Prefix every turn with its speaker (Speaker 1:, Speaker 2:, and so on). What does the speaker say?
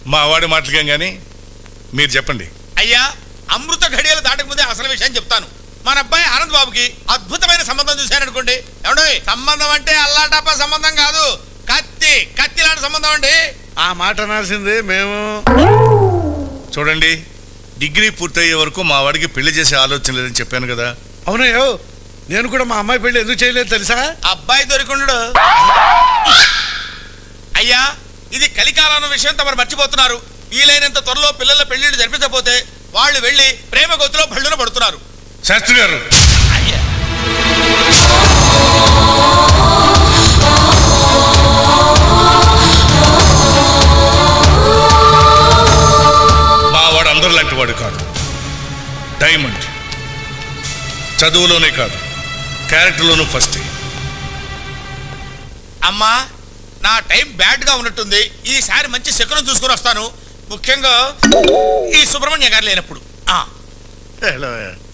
Speaker 1: మా వాడి మాటలకేం గాని మీరు చెప్పండి.
Speaker 2: అయ్యా, అమృత ఘడియలు దాటక ముందే అసలు విషయం చెప్తాను. మన అబ్బాయి ఆనంద్ బాబుకి అద్భుతమైన సంబంధం చూశారనుకోండి. ఏమండి, సంబంధం అంటే అల్లాటప్ప సంబంధం కాదు, కత్తి లాంటి సంబంధం అండి.
Speaker 3: ఆ మాట అనాల్సిందే మేము.
Speaker 1: చూడండి, డిగ్రీ పూర్తయ్యే వరకు మా వాడికి పెళ్లి చేసే ఆలోచన లేదని చెప్పాను కదా.
Speaker 3: అవునయ్యో, నేను కూడా మా అమ్మాయి పెళ్లి ఎందుకు చేయలేదు తెలుసా?
Speaker 2: అబ్బాయి దొరికిండు. అయ్యా, ఇది కలికాలం విషయం తమరు మర్చిపోతున్నారు. వీలైనంత త్వరలో పిల్లల పెళ్లిళ్ళు జరిపించకపోతే వాళ్ళు వెళ్ళి ప్రేమ గొత్తులో బళ్ళున పడుతున్నారు.
Speaker 1: శాస్త్రి గారు,
Speaker 2: అయ్యా,
Speaker 1: మా వాడు అందరు లాంటి వాడు కాదు. డైమండ్. చదువులోనే కాదు, క్యారెక్టర్లోనూ ఫస్ట్.
Speaker 2: అమ్మా, నా టైం బ్యాడ్ గా ఉన్నట్టుంది. ఈసారి మంచి శకునం చూసుకుని వస్తాను. ముఖ్యంగా ఈ సుబ్రహ్మణ్య గారు లేనప్పుడు.